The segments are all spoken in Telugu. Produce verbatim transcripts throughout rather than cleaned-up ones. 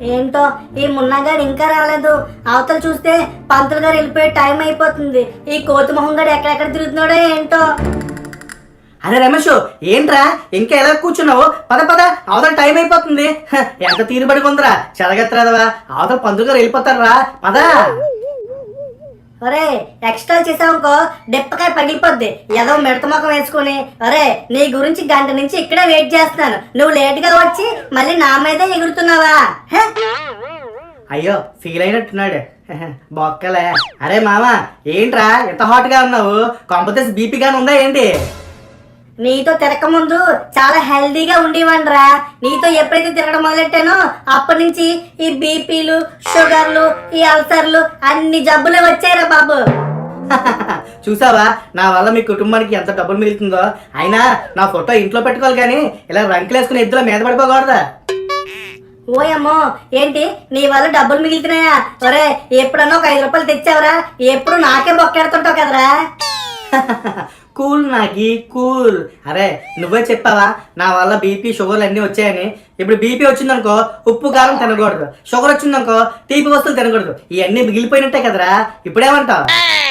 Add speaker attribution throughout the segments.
Speaker 1: ఏంటో ఈ మున్నగాడు ఇంకా రాలేదు. అవతల చూస్తే పంతులు గారు వెళ్ళిపోయే టైం అయిపోతుంది. ఈ కోతి మొహం గారు ఎక్కడెక్కడ తిరుగుతున్నాడో ఏంటో.
Speaker 2: అరే రమేష్, ఏంట్రా ఇంకా ఎలా కూర్చున్నావు? పద పద, అవతల టైం అయిపోతుంది. ఎంత తీరుబడి కొందరా చెరగెత్తరాదవా, అవతల పంతులు గారు వెళ్ళిపోతారా. పద.
Speaker 1: ఒరే ఎక్స్ట్రా చేసావుకో డెప్పకాయ పగిలిపోద్ది. ఏదో మిడత మొఖం వేసుకుని. ఒరే నీ గురించి గంట నుంచి ఇక్కడే వెయిట్ చేస్తున్నాను. నువ్వు లేట్ గా వచ్చి మళ్ళీ నా మీదే ఎగురుతున్నావా?
Speaker 2: అయ్యో ఫీల్ అయినట్టున్నాడు బొక్కలే. అరే మామ, ఏంట్రా ఎంత హాట్ గా ఉన్నావు? కాంపిటీస్ బీపీ గాని ఉందా ఏంటి?
Speaker 1: నీతో తిరగక ముందు చాలా హెల్దీగా ఉండేవాన్రా. నీతో ఎప్పుడైతే తిరగడం మొదలెట్టానో అప్పటి నుంచి ఈ బీపీలు, షుగర్లు, ఈ అల్సర్లు అన్ని జబ్బులు వచ్చాయిరా బాబు.
Speaker 2: చూసావా నా వల్ల మీ కుటుంబానికి ఎంత డబ్బులు మిగులుతుందో. అయినా నా ఫోటో ఇంట్లో పెట్టుకోవాలి కానీ ఇలా రంకులు వేసుకుని ఇద్దరు మీద పడిపోకూడదా?
Speaker 1: ఓయమ్మో, ఏంటి నీ వల్ల డబ్బులు మిగులుతున్నాయా? ఒరే ఎప్పుడన్నా ఒక ఐదు రూపాయలు తెచ్చావరా? ఎప్పుడు నాకే బొక్కెడుతుంటావు కదరా.
Speaker 2: కూల్ నాకి కూల్. అరే నువ్వే చెప్పావా నా వల్ల బీపీ షుగర్లు అన్నీ వచ్చాయని. ఇప్పుడు బీపీ వచ్చిందనుకో ఉప్పు కారం తినకూడదు, షుగర్ వచ్చిందనుకో తీపి వస్తువులు తినకూడదు. ఇవన్నీ మిగిలిపోయినట్టే కదరా. ఇప్పుడేమంటావు?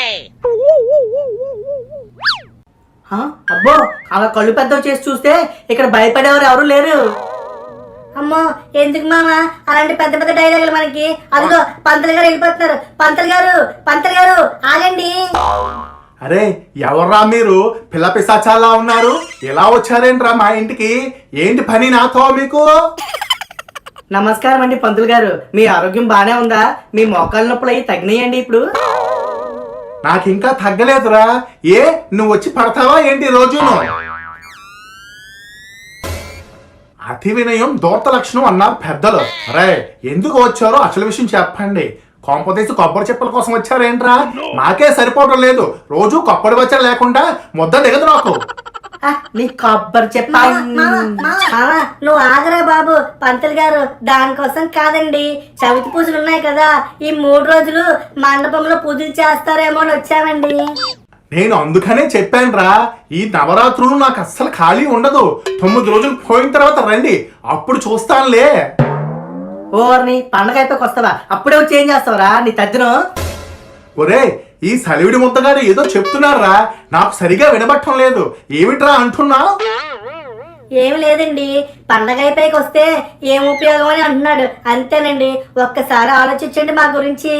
Speaker 2: అబ్బో, అలా కళ్ళు పెద్దవి చేసి చూస్తే ఇక్కడ భయపడేవారు ఎవరు లేరు.
Speaker 1: అమ్మో ఎందుకు మామ అలాంటి పెద్ద పెద్ద డైలాగులు మనకి? అదిగో పంతులు గారు వెళ్ళిపోతున్నారు. పంతులు గారు పంతులు గారు ఆగండి.
Speaker 3: అరే ఎవర్రా మీరు? పిల్ల పిశాచాలా ఉన్నారు. ఎలా వచ్చారేంట్రా మా ఇంటికి? ఏంటి పని నాతో మీకు?
Speaker 2: నమస్కారం అండి పంతులు గారు, మీ ఆరోగ్యం బానే ఉందా? మీ మోకాళ్ళ నొప్పులు అయ్యి తగ్గినాయండి ఇప్పుడు?
Speaker 3: నాకు ఇంకా తగ్గలేదురా. ఏ నువ్వు వచ్చి పడతావా ఏంటి రోజును? అతి వినయం దూర్త లక్షణం అన్నారు పెద్దలు. అరే ఎందుకు వచ్చారో అసలు విషయం చెప్పండి. కొంపతీసి కొబ్బరి చెప్పుల కోసం వచ్చారేంట్రా? నాకే సరిపోవడం లేదు. రోజు కొబ్బరి వచ్చారు లేకుండా ముద్ద దిగదు నాకు.
Speaker 2: నీ కొబ్బరి చెప్ప
Speaker 1: నువ్వు ఆగరా బాబు. పంతులు గారు దానికోసం కాదండి, చవితి పూజలు ఉన్నాయి కదా, ఈ మూడు రోజులు మండపంలో పూజలు చేస్తారేమో అని వచ్చామండి.
Speaker 3: నేను అందుకనే చెప్పానురా, ఈ నవరాత్రులు నాకు అస్సలు ఖాళీ ఉండదు. తొమ్మిది రోజులు పోయిన తర్వాత రండి, అప్పుడు చూస్తానులే.
Speaker 2: ఓర్ని పండగ అయిపోయి వస్తావా? అప్పుడే వచ్చి ఏం చేస్తావురా నీ తద్దిను?
Speaker 3: ఒరే ఈ సలివిడి ముద్దగారు ఏదో చెప్తున్నారా, నాకు సరిగా వినబట్టం లేదు. ఏమిట్రా అంటున్నా?
Speaker 1: ఏమి లేదండి, పండగ అయిపోయికి వస్తే ఏం ఉపయోగం అని అంటున్నాడు. అంతేనండి, ఒక్కసారి ఆలోచించండి మా గురించి.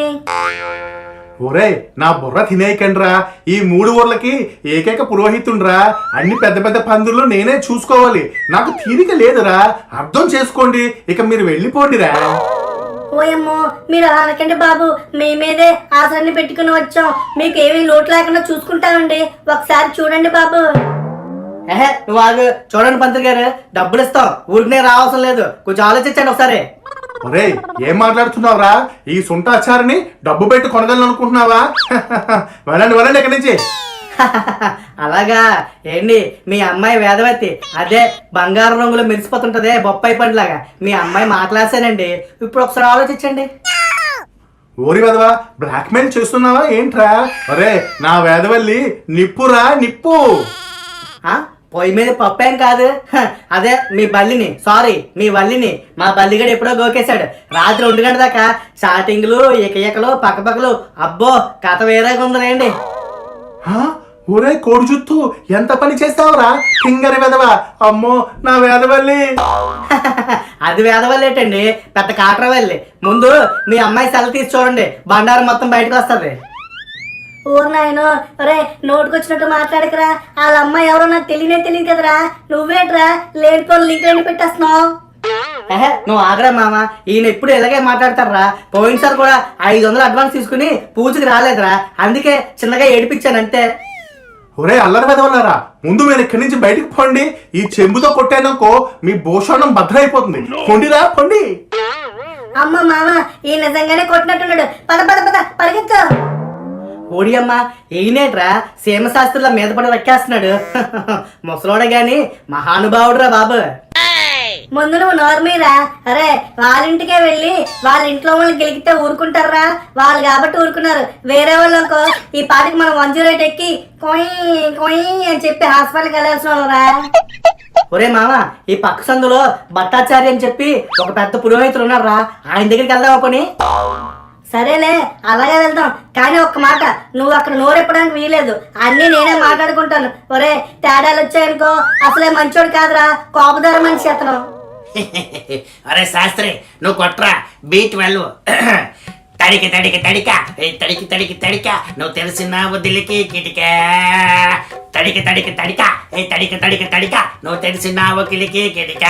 Speaker 3: ఒరే నా బుర్ర తినేయకండ్రా. ఈ మూడు ఊర్లకి ఏకైక పురోహితుండ్రా. అన్ని పెద్ద పెద్ద పందులు నేనే చూసుకోవాలి. నాకు తీరిక లేదురా, అర్థం చేసుకోండి. ఇక మీరు వెళ్ళిపోండిరా.
Speaker 1: ఓయమ్మో మీరు అలా అనకండి బాబు, మీ మీదే ఆశలన్నీ పెట్టుకుని వచ్చాం. మీకు ఏమీ లోటు లేకుండా చూసుకుంటామండి. ఒకసారి చూడండి బాబు.
Speaker 2: ఏహే నువ్వు ఆగు. చూడండి పంతులు గారు, డబ్బులు ఇస్తాం, ఊరికనే రావాల్సిన లేదు. కొంచెం ఆలోచించండి ఒకసారి.
Speaker 3: ఒరే ఏం మాట్లాడుతున్నావురా? ఈ సుంటాచారిని డబ్బు పెట్టి కొనగలను అనుకుంటున్నావా? వెళ్ళండి వెళ్ళండి ఇక్కడి నుంచి.
Speaker 2: అలాగా ఏంటి మీ అమ్మాయి వేదవతి అదే బంగారు రంగులో మెరిసిపోతుంటదే బొప్పాయి పండులాగా. మీ అమ్మాయి మాట్లాసానండి. ఇప్పుడు ఒకసారి ఆలోచించండి.
Speaker 3: ఓరి వేదవా, బ్లాక్ మెయిల్ చేస్తున్నావా ఏంట్రా? ఒరే నా వేదవల్లి నిప్పురా నిప్పు.
Speaker 2: పొయ్యి మీద పప్పేం కాదు, అదే మీ బల్లిని, సారీ మీ వల్లిని మా బల్లిగడు ఎప్పుడో గోకేశాడు. రాత్రి ఒంటి గంట దాకా చాటింగ్లు ఏకయ్యకలు పక్కపక్కలు. అబ్బో కథ వేరేగా ఉందండి.
Speaker 3: ఒరే కోడి జుత్తు ఎంత పని చేస్తావురా కింగరి వేదవా. అమ్మో నా వేదవల్లి.
Speaker 2: అది వేదవల్లేటండి, పెద్ద కాట్రవల్లి. ముందు మీ అమ్మాయి సెల తీసి చూడండి, బండారం మొత్తం బయటకు వస్తుంది.
Speaker 1: ఊరు నాయనో, ఒరే నోటుకొచ్చినట్టు మాట్లాడకరా. వాళ్ళ అమ్మాయి ఎవరో నాకు తెలియనే తెలియదు కదరా. నువ్వేట్రా లేనిపోని లింక్ పెట్టేస్తున్నావు?
Speaker 2: ఏహే నువ్వు ఆగరా మామ, ఈయన ఎప్పుడు ఇలాగే మాట్లాడతారా. పోయినసారి కూడా ఐదు వందలు అడ్వాన్స్ తీసుకుని పూజకి రాలేదురా, అందుకే చిన్నగా ఏడిపించాను అంతే.
Speaker 3: ఒరే అల్లరి వెదవలారా, ముందు మీరు ఇక్కడి నుంచి బయటకు పోండి. ఈ చెంబుతో కొట్టాననుకో మీ భూషణం భద్రైపోతుంది. పొండిరా పొండి.
Speaker 1: అమ్మ మామ ఈ నిజంగానే కొట్టినట్టున్నాడు. పద పద పద పరిగెత్తు.
Speaker 2: ఓడియమ్మ ఈయనేట్రా సీమశాస్త్రుల మీద పడి రక్కేస్తున్నాడు. ముసలోడే గాని మహానుభావుడురా బాబు.
Speaker 1: ముందు నువ్వు నోర్మీరా. అరే వాళ్ళింటికే వెళ్ళి వాళ్ళ ఇంట్లో వాళ్ళు గెలిగితే ఊరుకుంటారా? వాళ్ళు కాబట్టి ఊరుకున్నారు. వేరే వాళ్ళకో ఈ పాటికి మనం వన్ జీరో ఎయిట్ ఎక్కి కొయ్ కొయ్ అని చెప్పి హాస్పిటల్కి వెళ్ళాల్సిన వాళ్ళరా.
Speaker 2: ఒరే మామ ఈ పక్క సందులో భట్టాచారి అని చెప్పి ఒక పెద్ద పురోహితుడు ఉన్నారా, ఆయన దగ్గరికి వెళ్దామా కొని?
Speaker 1: సరేలే అలాగే వెళ్దాం, కానీ ఒక్క మాట, నువ్వు అక్కడ నోరెప్పడానికి వీలేదు, అన్నీ నేనే మాట్లాడుకుంటాను. ఒరే తేడాలు వచ్చాయనుకో అసలే మంచోడు కాదురా, కోపదార మనిషి అతను.
Speaker 4: అరే శాస్త్రి నువ్వు కొట్రా బీట్ వెళ్ళు. తడికి తడికి తడిక ఏ తడికి తడికి తడిక నువ్వు తెలిసిన వదిలికి కిటిక. తడికి తడికి తడిక ఏ తడికి తడికి తడిక నువ్వు తెలిసిన వకిలికి కిటిక.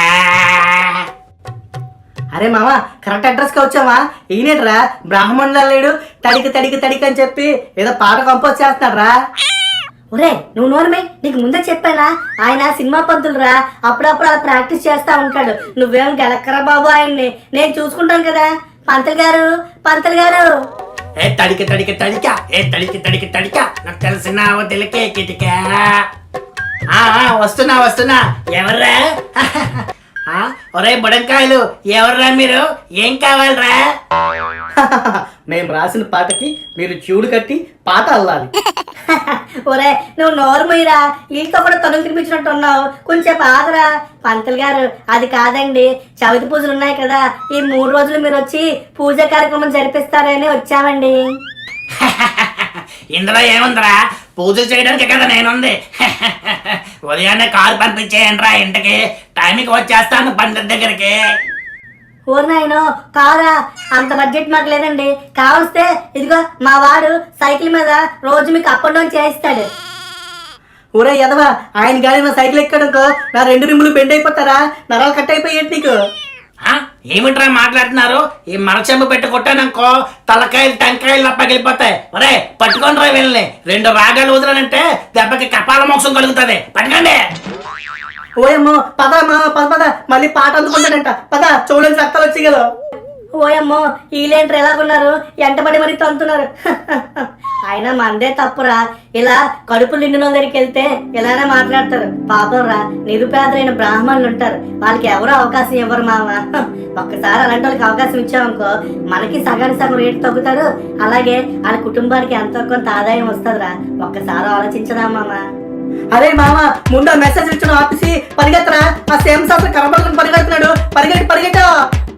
Speaker 2: అరే మామ కరెక్ట్ అడ్రస్ కి వచ్చావా? ఈయనేట్రా బ్రాహ్మణుల లేడు, తడికి తడికి తడికి అని చెప్పి ఏదో పాట కంపోజ్ చేస్తున్నాడు రా.
Speaker 1: ఒరే నువ్వు నోరమే, నీకు ముందే చెప్పానా, ఆయన సినిమా పంతులు రా, అప్పుడప్పుడు అలా ప్రాక్టీస్ చేస్తా ఉంటాడు. నువ్వేం గెలక్కరా బాబు ఆయన్ని, నేను చూసుకుంటాను కదా. పంతులు గారు పంతులు గారు
Speaker 4: ఏ తడికి తడికి తడిక ఏ తడికి తడికి తడిక నాకు తెలిసిన వదిలికి కిటిక. ఆ, ఆ, వస్తున్నా వస్తున్నా. ఎవర్రా? ఆ, ఒరే బుడంకాయలు ఎవర్రా మీరు? ఏం కావాలరా?
Speaker 2: మేము రాసిన పాటకి మీరు చెవుడు కట్టి పాట అల్లాలి.
Speaker 1: ఒరే నువ్వు నోరు మీరా, వీళ్ళతో కూడా తొలగి తినిపించినట్టు ఉన్నావు, కొంచెం ఆగరా. పంతులు గారు అది కాదండి, చవితి పూజలు ఉన్నాయి కదా, ఈ మూడు రోజులు మీరు వచ్చి పూజ కార్యక్రమం జరిపిస్తారని వచ్చామండి.
Speaker 4: ఇందులో ఏముందిరా, పూజలు చేయడానికి కదా నేనుంది. ఉదయాన్నే కారు పంపించేయండి రా ఇంటికి, టైంకి వచ్చేస్తాను పండిత్ దగ్గరికి.
Speaker 1: ఓ నాయనో కారా, అంత బడ్జెట్ మాకు లేదండి, కావలిస్తే ఇదిగో మా వాడు సైకిల్ మీద రోజు మీకు అప్ అండ్ డౌన్ చేయిస్తాడు.
Speaker 2: ఒరే ఎదవా, ఆయన గాలి నా సైకిల్ ఎక్కడనుకో నా రెండు రిమ్ములు బెండ్ అయిపోతారా, నరాలు కట్ అయిపోయేది నీకు.
Speaker 4: ఆ, ఏమిట్రా మాట్లాడుతున్నారు? ఈ మరచెంబు పెట్టి కొట్టాననుకో తలకాయలు టంకాయలు పగిలిపోతాయి. ఒరే పట్టుకోండి రా వెళ్ళి, రెండు రాగాలు వదలనంటే దెబ్బకి కపాల మోక్షం కలుగుతుంది. పట్టుకోండి.
Speaker 2: ఓయమ్మో పద మా పద పద, మళ్ళీ పాట అందుకుంటాడంట, పద చూడని రక్తాలు వచ్చి కదా.
Speaker 1: ఓయమ్మో వీళ్ళేంటారు ఎలాగున్నారు, ఎంటబడి మరీ తంతున్నారు. అయినా మందే తప్పురా, ఇలా కడుపు నిండిన దగ్గరికి వెళ్తే ఇలానే మాట్లాడతారు. పాపం రా, నిరుపేదలైన బ్రాహ్మణులు ఉంటారు, వాళ్ళకి ఎవరు అవకాశం ఇవ్వరు మామ. ఒక్కసారి అలాంటి వాళ్ళకి అవకాశం ఇచ్చామనుకో మనకి సగానికి సగం రేటు తగ్గుతారు, అలాగే వాళ్ళ కుటుంబానికి ఎంతో కొంత ఆదాయం వస్తుందిరా. ఒక్కసారి ఆలోచించదా మామ.
Speaker 2: అరే మామ ముందు మెసేజ్ ఇచ్చిన ఆఫీసి పరిగెత్తరా, ఆ సేమ్ సార్ కనబడుకుని పరిగెడుతున్నాడు, పరిగెట్టి పరిగెట్టు.